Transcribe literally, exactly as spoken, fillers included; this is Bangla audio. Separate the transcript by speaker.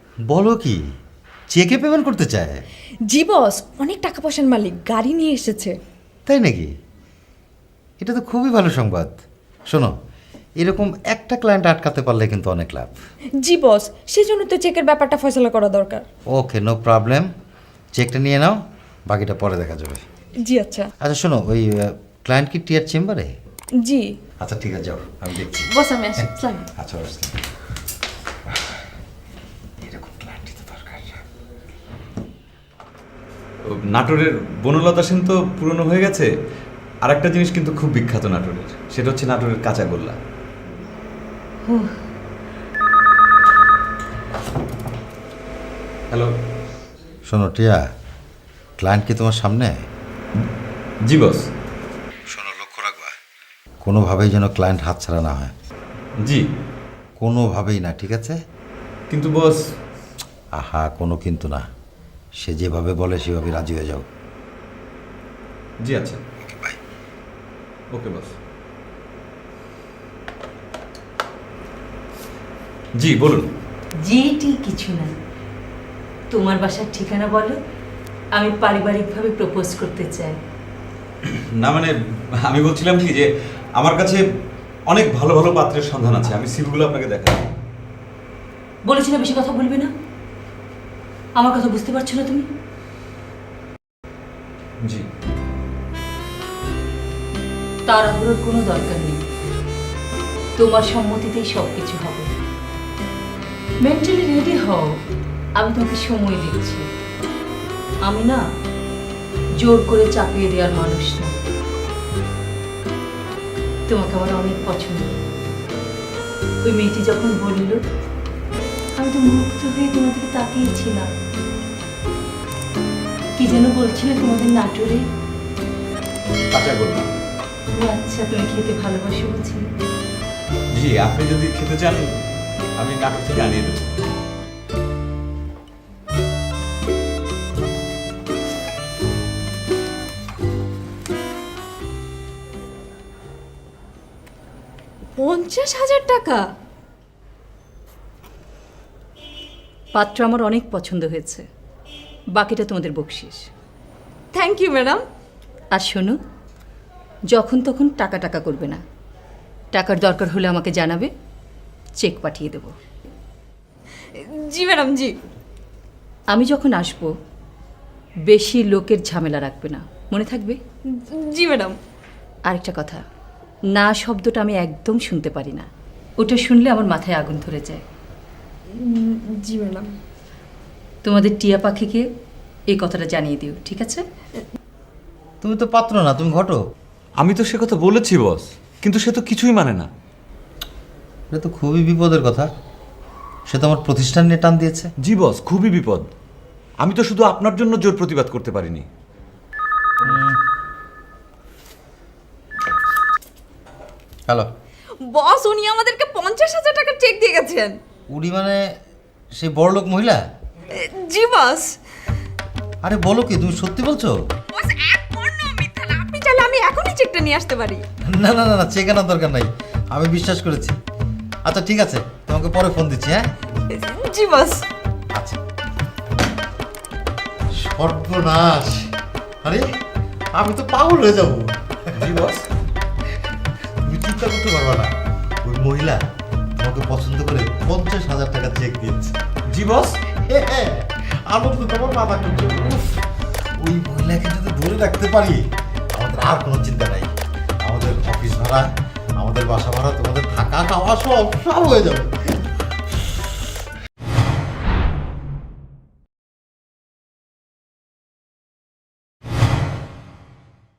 Speaker 1: বলো কি, চেকে পেমেন্ট করতে চায়?
Speaker 2: জি বস, অনেক টাকা পয়সার মালিক, গাড়ি নিয়ে এসেছে।
Speaker 1: তাই নাকি? এটা তো খুবই ভালো সংবাদ। শোনো, এরকম একটা ক্লায়েন্ট আটকাতে পারলে কিন্তু অনেক লাভ।
Speaker 2: জি বস, সেজন্য তো চেকের ব্যাপারটা ফয়সালা করা দরকার।
Speaker 1: Okay, no problem. চেকটা নিয়ে নাও, বাকিটা পরে দেখা যাবে।
Speaker 2: জি আচ্ছা।
Speaker 1: আচ্ছা শোনো, ওই ক্লায়েন্ট কি টিয়ার চেম্বারে?
Speaker 2: জি
Speaker 1: আচ্ছা ঠিক আছে, যাও, আমি দেখছি।
Speaker 2: বস, আমি আসি। আসসালাম।
Speaker 1: আচ্ছা আসলাম। এরকম ক্লায়েন্টই তো দরকার।
Speaker 3: নাটোরের বনলতা সেন তো পুরনো হয়ে গেছে। আর একটা জিনিস কিন্তু খুব বিখ্যাত নাটোরের, সেটা হচ্ছে নাটোরের কাঁচাগোল্লা। হ্যালো।
Speaker 1: শোনো টিয়া, ক্লায়েন্ট কি তোমার সামনে?
Speaker 3: জি বস।
Speaker 1: শোনো, লক্ষ্য রাখবা, কোনোভাবেই যেন ক্লায়েন্ট হাতছাড়া না হয়।
Speaker 3: জি।
Speaker 1: কোনোভাবেই না, ঠিক আছে?
Speaker 3: কিন্তু বস।
Speaker 1: আহা, কোনো কিন্তু না, সে যেভাবে বলে সেভাবে রাজি হয়ে যাও।
Speaker 3: জি আচ্ছা।
Speaker 1: Okay bye.
Speaker 3: ওকে বস। জি বলুন।
Speaker 4: জিটি কিছু না, তোমার বাসার ঠিকানা বলো, আমি পারিবারিকভাবে প্রপোজ করতে চাই।
Speaker 3: না মানে আমি বলছিলাম কি যে আমার কাছে অনেক ভালো ভালো পাত্রের সন্ধান আছে, আমি সিভিগুলো আপনাকে দেখাবো।
Speaker 4: বলেছি না বেশি কথা বলবে না? আমার কথা বুঝতে পারছো না তুমি?
Speaker 3: জি।
Speaker 4: তাড়াহুড়োর কোনো দরকার নেই, তোমার সম্মতিতেই সব কিছু হবে। মেন্টালি রেডি হও, আমি তোমাকে সময় দিচ্ছি। আমি না জোর করে চাপিয়ে দেওয়ার মানুষ না। তোমাকে আমার অনেক পছন্দ। ওই মেয়েটি যখন বলল, আমি তো মুগ্ধ হয়ে তোমাদেরকে তাকিয়েছিলাম। কি যেন বলছিলে তোমাদের নাটোরে?
Speaker 3: কাঁচাগোল্লা।
Speaker 4: ও আচ্ছা, তুমি খেতে ভালোবাসো বুঝি?
Speaker 3: জি, আপনি যদি খেতে চান আমি নাটোর থেকে আনিয়ে দেবো।
Speaker 2: পঞ্চাশ হাজার টাকা?
Speaker 4: পাত্র আমার অনেক পছন্দ হয়েছে, বাকিটা তোমাদের বকশিস।
Speaker 2: Thank you madam.
Speaker 4: আর শোনো, যখন তখন টাকা টাকা করবে না, টাকার দরকার হলে আমাকে জানাবে, চেক পাঠিয়ে দেব।
Speaker 2: জি ম্যাডাম, জি।
Speaker 4: আমি যখন আসব বেশি লোকের ঝামেলা রাখবে না, মনে থাকবে?
Speaker 2: জি ম্যাডাম।
Speaker 4: আরেকটা কথা, না শব্দটা আমি একদম শুনতে পারি না, ওটা শুনলে আমার মাথায় আগুন ধরে যায়।
Speaker 2: জি ম্যাডাম।
Speaker 4: তোমাদের টিয়া পাখিকে এই কথাটা জানিয়ে দিও, ঠিক আছে?
Speaker 1: তুমি তো পাত্র না, তুমি ঘটো।
Speaker 3: আমি তো সে কথা বলেছি বস, কিন্তু সে তো কিছুই মানে না।
Speaker 1: এটা তো খুবই বিপদের কথা। সে তো আমার প্রতিষ্ঠান নিয়ে টান দিয়েছে।
Speaker 3: জি বস, খুবই বিপদ। আমি তো শুধু আপনার জন্য জোর প্রতিবাদ করতে পারিনি।
Speaker 1: হ্যালো
Speaker 2: বস, উনি আমাদেরকে পঞ্চাশ হাজার টাকার চেক দিয়ে গেছেন।
Speaker 1: উনি মানে সেই বড়লোক মহিলা?
Speaker 2: জি বস।
Speaker 1: আরে বলো কি, তুমি সত্যি বলছো?
Speaker 2: বস, এক পর্ণ মিথ্যা না। আপনি চাইলে আমি এখনই চেকটা নিয়ে আসতে পারি।
Speaker 1: না না না না, চেক আনার দরকার নাই, আমি বিশ্বাস করেছি। আচ্ছা ঠিক আছে, তোমাকে পরে ফোন দিচ্ছি। হ্যাঁ
Speaker 2: জি বস।
Speaker 1: আচ্ছা। সর্বনাশ! আরে আমি তো পাগল হয়ে যাবো।
Speaker 3: জি বস।
Speaker 1: তুমি চিন্তা করতে পারবা না, ওই মহিলা তোমাকে পছন্দ করে পঞ্চাশ হাজার টাকা চেক দিয়েছে।
Speaker 3: জি বস।
Speaker 1: হ্যাঁ, আনন্দ তোমার মাথা করছে। উফ, ওই মহিলাকে যদি ধরে রাখতে পারি, আমাদের আর কোনো চিন্তা নাই। আমাদের অফিস ভাড়া, আমাদের বাসা ভাড়া, তোমাদের থাকা খাওয়া সব সব হয়ে যাবে।